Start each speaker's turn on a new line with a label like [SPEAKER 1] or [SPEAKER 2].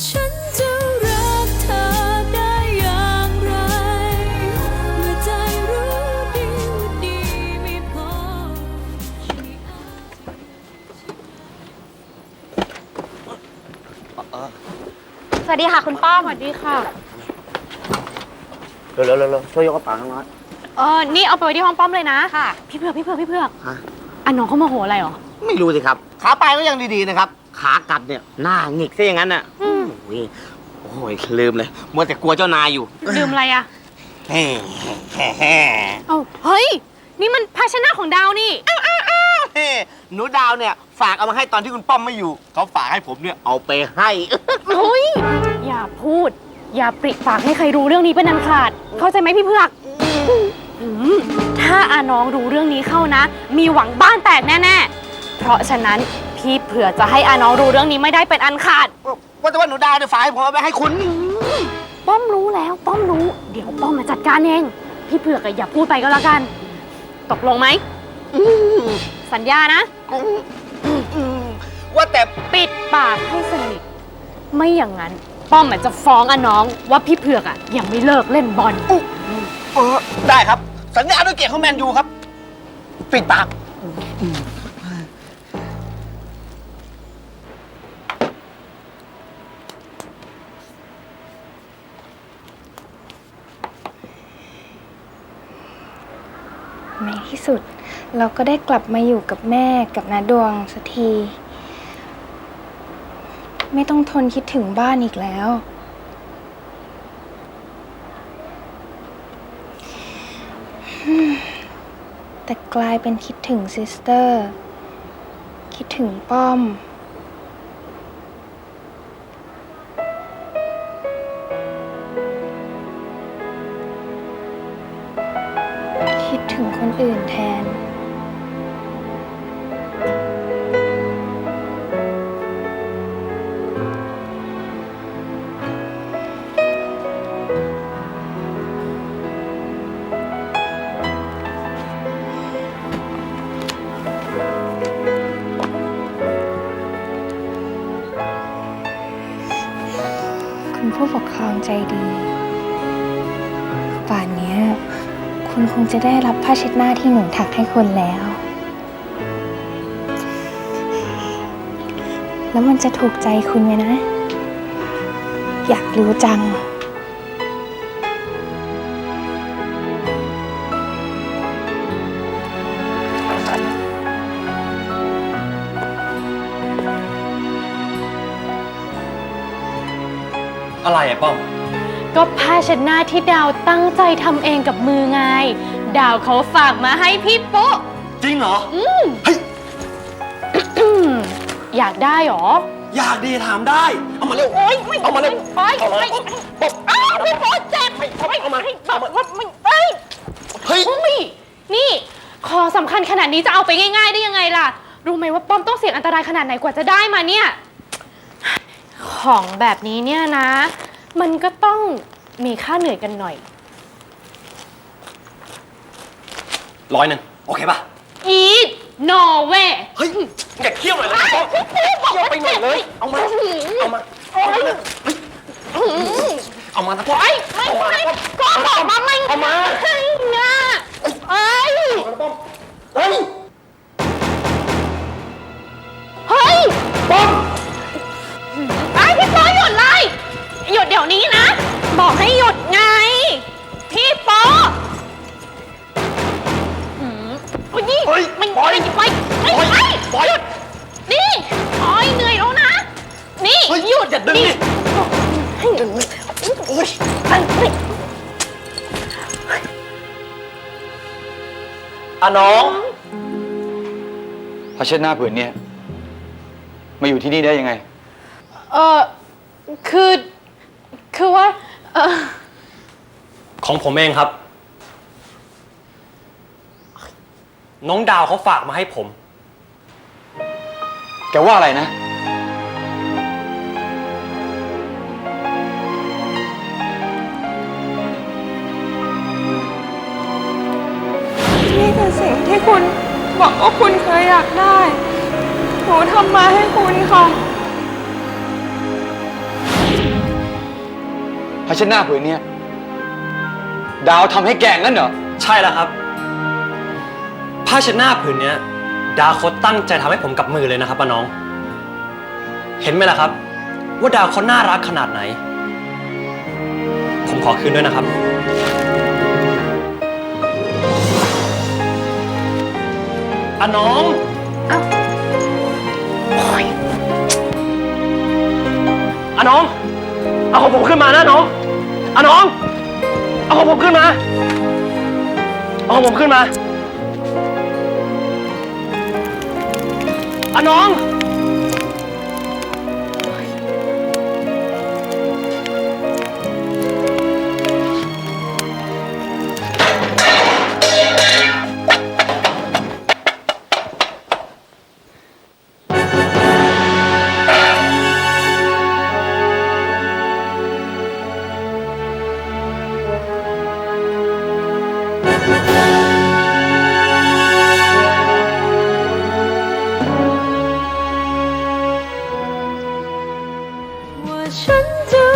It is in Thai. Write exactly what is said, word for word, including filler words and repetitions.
[SPEAKER 1] ฉันจะรักเธอได้อย่างไรเมื่อใจรู้ดีว่าดีไม่พอ
[SPEAKER 2] สวัสดีค่ะคุณป้อมสวัสดีค่ะ
[SPEAKER 3] เร็วเร็วเร็วช่วยยกกระเป๋าน้องน้อย
[SPEAKER 2] เออนี่เอาไปไว้ที่ห้องป้อมเลยนะค่ะพี่เผือกพี่เผือกพี่เผือก
[SPEAKER 3] ฮะ
[SPEAKER 2] อ่ะน้องเขาโมโหอะไรหรอ
[SPEAKER 3] ไม่รู้สิครับขาไปก็ยังดีๆนะครับขากลับเนี่ยหน้าหงิกซะอย่างนั้นน่ะโอ้ยโอ้ยลืมเลยมัวแต่กลัวเจ้านายอยู่
[SPEAKER 2] ลืมอะไรอะ
[SPEAKER 3] แฮ่แฮ่แฮ่
[SPEAKER 2] เอ้าเฮ้ยนี่มันภาชนะของดาวนี่
[SPEAKER 3] อ้าวอ้าวอ้าวเฮ้หนูดาวเนี่ยฝากเอามาให้ตอนที่คุณป้อมไม่อยู่เขาฝากให้ผมเนี่ยเอาไปให้
[SPEAKER 2] เฮ้ยอย่าพูดอย่าปริปากให้ใครรู้เรื่องนี้เป็นอันขาดเข้าใจไหมพี่เผือกถ้าอาน้องรู้เรื่องนี้เข้านะมีหวังบ้านแตกแน่ๆเพราะฉะนั้นพี่เผือกจะให้อาน้องรู้เรื่องนี้ไม่ได้เป็นอันขาด
[SPEAKER 3] ว่าแต่ว่าหนูดาวเนี่ยฝากให้ผมเอาไปให้คุณ
[SPEAKER 2] ป้อมรู้แล้วป้อมรู้เดี๋ยวป้อมมาจัดการเองพี่เผือกอย่าพูดไปก็แล้วกันตกลงไหมสัญญานะ
[SPEAKER 3] ว่าแต่
[SPEAKER 2] ปิดปากให้สนิทไม่อย่างนั้นป้อมจะฟ้องอาน้องว่าพี่เผือกอ่ะยังไม่เลิกเล่นบอล
[SPEAKER 3] ได้ครับสัญญาด้วยเกียรติของแมนยูครับปิดปาก
[SPEAKER 4] ในที่สุดเราก็ได้กลับมาอยู่กับแม่กับน้าดวงสักทีไม่ต้องทนคิดถึงบ้านอีกแล้วแต่กลายเป็นคิดถึงซิสเตอร์คิดถึงป้อมคิดถึงคนอื่นแทนคุณผู้ปกครองใจดีป่านนี้คุณคงจะได้รับผ้าเช็ดหน้าที่หนูถักให้คุณแล้ว แล้วมันจะถูกใจคุณไหมนะ อยากรู้จัง
[SPEAKER 5] อะไรอะป้อม
[SPEAKER 2] ก็ผ้าเช็ดหน้าที่ดาวตั้งใจทำเองกับมือไงดาวเขาฝากมาให้พี่ปุ๊
[SPEAKER 5] จริงเหรอ
[SPEAKER 2] อืม
[SPEAKER 5] เฮ้ย
[SPEAKER 2] อยากได้หรอ
[SPEAKER 5] อยากดีถามได้เอามาเร็ว
[SPEAKER 2] โอ๊ยไม่
[SPEAKER 5] เอามาเร็ว
[SPEAKER 2] ไปไปปุ๊บอ้าวพี่ปุ๊เจ็บไม่เอามาให้แบบว่าไม่ไป
[SPEAKER 5] เฮ้ย
[SPEAKER 2] นี่ของสำคัญขนาดนี้จะเอาไปง่ายๆได้ยังไงล่ะรู้ไหมว่าป้อมต้องเสี่ยงอันตรายขนาดไหนกว่าจะได้มาเนี่ยของแบบนี้เนี่ยนะมันก็ต้องมีค่าเหนื่อยกันหน่อย
[SPEAKER 5] ร้อยหนึ่งโอเคป่ะ
[SPEAKER 2] อีทโนเว
[SPEAKER 5] เฮ้ยอย่าเคี่ยวหน่อยเลยป้อมเคี่ยวไปหน่อยเลยเอามาเอามาเอามาเอามานะป้อม
[SPEAKER 2] ไม่ไม่ก็บอกมาไม่
[SPEAKER 5] เอามา
[SPEAKER 2] ให้นะไอ้
[SPEAKER 5] ป้อมเฮ้ย
[SPEAKER 2] เฮ้ย
[SPEAKER 5] ป้อม
[SPEAKER 2] ไอ้พี่ป๊อหยุดเลยหยุดเดี๋ยวนี้นะบอกให้หยุดไงพี่ป๊อหืมโอ้ยนี่มันไปไปไปไปหยุดนี่โอ้ยเหนื่อยแล้วนะนี่หยุด
[SPEAKER 5] อย่าดึงดิดึงเลยโอ้ยอ่ะน้อง
[SPEAKER 6] ผ้าเช็ดหน้าผืนนี้มาอยู่ที่นี่ได้ยังไง
[SPEAKER 2] เออคือคือว่าเออ
[SPEAKER 5] ของผมเองครับน้องดาวเขาฝากมาให้ผม
[SPEAKER 6] แกว่าอะไรนะ
[SPEAKER 4] นี่คือสิ่งที่คุณบอกว่าคุณเคยอยากได้หนูทำมาให้คุณค่ะ
[SPEAKER 6] ผ้าเช็ดหน้าผืนเนี้ยดาวทำให้แกงั้นเหรอ
[SPEAKER 5] ใช่แล้วครับ ผ้าเช็ดหน้าผืนเนี้ยดาวเขาตั้งใจทำให้ผมกับมือเลยนะครับป้าน้อง เห็นไหมล่ะครับ ว่าดาวเขาน่ารักขนาดไหน ผมขอคืนด้วยนะครับอาน้อง
[SPEAKER 2] เอ้า
[SPEAKER 5] อาน้อง เอาของผมขึ้นมานะน้องอาน้อง เอาของผมขึ้นมา เอาของผมขึ้นมาอาน้อง
[SPEAKER 1] ว่าฉันจะ